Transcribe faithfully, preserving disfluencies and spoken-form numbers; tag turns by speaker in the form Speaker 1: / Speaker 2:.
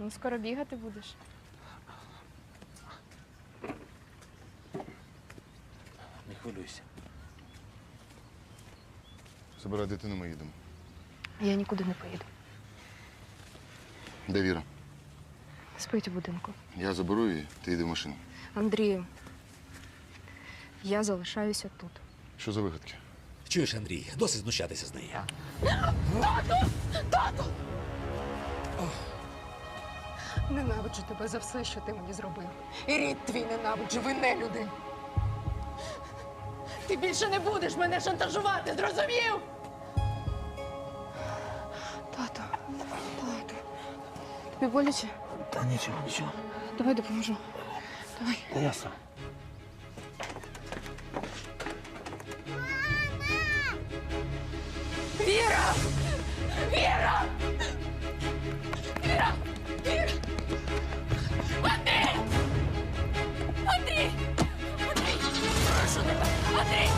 Speaker 1: Ну, скоро бігати будеш.
Speaker 2: Не хвилюйся.
Speaker 3: Забирай дитину, ми їдемо.
Speaker 1: Я нікуди не поїду.
Speaker 3: Де Віра?
Speaker 1: Спить у будинку.
Speaker 3: Я заберу її, ти йди в машину.
Speaker 1: Андрію, я залишаюся тут.
Speaker 3: Що за вигадки?
Speaker 2: Чуєш, Андрій, досить знущатися з неї.
Speaker 4: Ненавиджу тебе за все, що ти мені зробив. І рід твій ненавиджу, ви не люди. Ти більше не будеш мене шантажувати, зрозумів?
Speaker 1: Тато, тато. Тобі боляче?
Speaker 2: Та нічого, нічого.
Speaker 1: Давай допоможу. Давай.
Speaker 2: Та я сам.
Speaker 4: Віра! Віра! Віра! Віра! Андрій! Андрій! Андрій! Прошу тебе! Андрій!